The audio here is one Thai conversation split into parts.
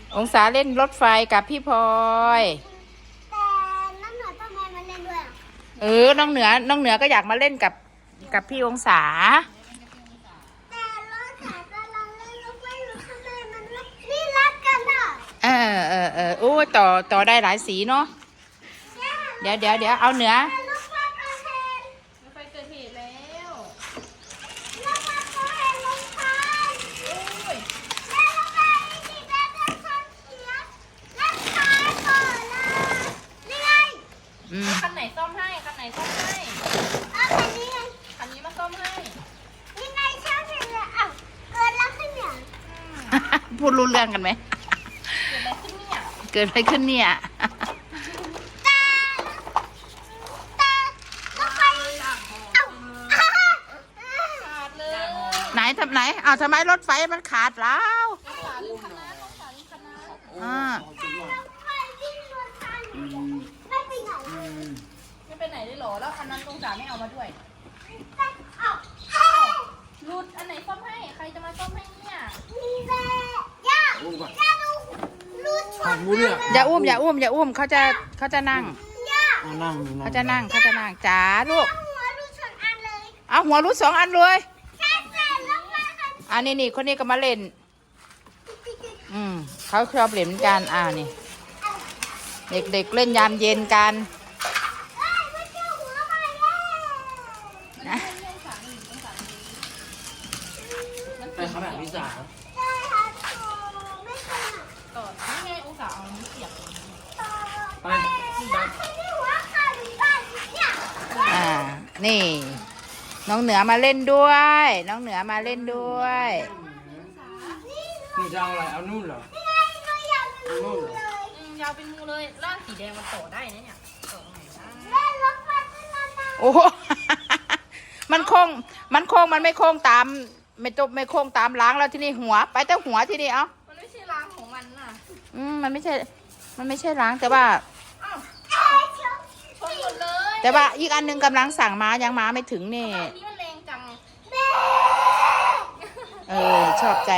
องศาเล่นรถไฟกับพี่พลอยแต่น้ำหน่อยทำไมมาเล่นด้วยน้องเหนือก็อยากมาเล่นกับพี่องศาแต่รถขากำลังเล่นรถไฟอยู่ทำไมมันนี่รักกันอ่ะโอ้ต่อได้หลายสีเนาะเดี๋ยวเอาเหนือรถไฟเกิดเหตุรถไฟเกิดเหตุแล้วรถไฟเกิดเหตุลงทางโอ้ยแล้วรถไฟสีแดงจะชนเสียแล้วตายก่อนเลยนี่ไงคันไหนซ่อมให้คันไหนซ่อมให้เอาคันนี้ไงคันนี้มาซ่อมให้นี่ไงช่างเสร็จแล้วอ้าวเกิดแล้วขึ้นเนี่ยพูดรู้เรื่องกันไหมเกิดอะไรขึ้นเนี่ยเกิดอะไรขึ้นเนี่ยแต่รถไฟเอ้าขาดเลยไหนทำไมรถไฟมันขาดแล้วขาลืมคณะต้องขาลืมคณะรถไฟวิ่งบนทางอยู่ไม่ไปไหนเลยไม่ไปไหนเลยเหรอ แล้วคันนั้นองศาไม่เอามาด้วยเอ้าหลุดอันไหนซ่อมให้ ใครจะมาซ่อมให้เนี่ยมีแม่ย่าดูรูดชนอย่าอุ้มเขาจะนั่งย่าเขาจะนั่งจ๋าลูกหัวรูดชนอันเลยเอาหัวรุด2 อันเลยใช่ใช่รถไฟคันนี่คนนี้ก็มาเล่น เขาชอบเล่นกันนี่ เด็กเล่นยามเย็นกันเอ้ยไม่เจอหัวใหม่แล้วนะไปเขาแบบพิซซ่าใช่ค่ะไม่ขนาดต่อนี่ไงองศาเอานิ้วเสียบไปไม่ได้หัวขาดหรือเปล่าเนี่ยนี่ น้องเหนือมาเล่นด้วย น้องเหนือมาเล่นด้วยหนูจะเอาอะไร เอานู่นเหรอนี่ไงเราอยากรู้เลยยาวเป็นมือเลยล่างสีแดงมันต่อได้นะเนี่ยต่อไหนได้เล่นรถไฟเป็นนานโอ้โห มันโค้งมันไม่โค้งตามไม่โค้งตามล้างแล้วที่นี่หัว ไปแต่หัวที่นี่เอ้ามันไม่ใช่ล้างของมันน่ะมันไม่ใช่ล้างแต่ว่าอ้าวๆเอ้ยชนชนหมดเลยแต่ว่าอีกอันหนึงกำลังสั่งมายังมาไม่ถึงนี่อันนี้มันแรงจังแม่ชอบใจ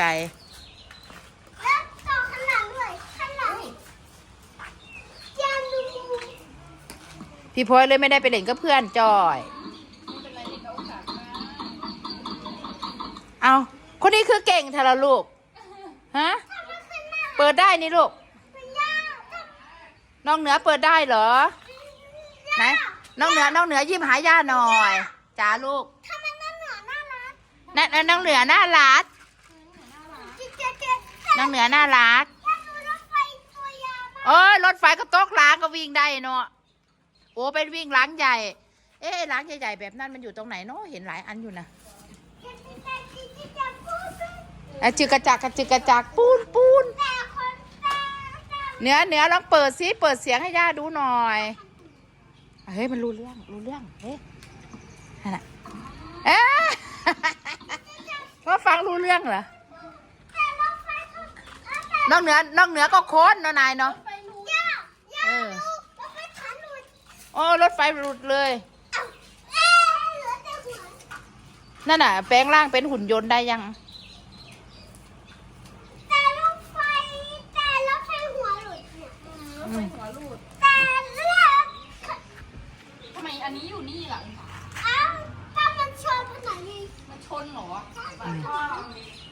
แล้วต่อข้างหลังด้วยข้างหลังยามดูพี่พลอยเลยไม่ได้ไปเล่นกับเพื่อนจอยไม่เป็นไรเด็กเอาองศามาเอาคนนี้คือเก่งเธอละลูก ฮะ เปิดได้นี่ลูกเป็นยาน้องเหนือเปิดได้เหรอ ไหน น้องเหนือยิ้มหาย่าหน่อยจ้าลูกทำไมนั่นเหนือน่ารักน้องเหนือน่ารักเจ๊น้องเหนือน่ารักยาดูรถไฟตัวยาวมากโอ้ยรถไฟก็ตกล้างก็วิ่งได้เนาะ โอ้เป็นวิ่งล้างใหญ่ ล้างใหญ่ๆแบบนั้นมันอยู่ตรงไหนเนาะ เห็นหลายอันอยู่นะจึกกระจักปูนแต่คนแต่เหนือลองเปิดซิเปิดเสียงให้ย่าดูหน่อย เฮ้ยมันรู้เรื่องเฮ้ยนั่นน่ะว่าฟังรู้เรื่องเหรอแต่รถไฟเขาน้องเหนือก็โค้นเนาะนายเนาะไปรู้ย่าดูรถไฟขาหลุดโอ้รถไฟหลุดเลยเหลือแต่หัวนั่นน่ะแปลงร่างเป็นหุ่นยนต์ได้ยังแต่รถไฟหัวหลุดเนี่ยรถไฟหัวรูดแต่เลือกทำไมอันนี้อยู่นี่ล่ะเอ้าถ้ามันชนผนังนี่มันชนเหรอ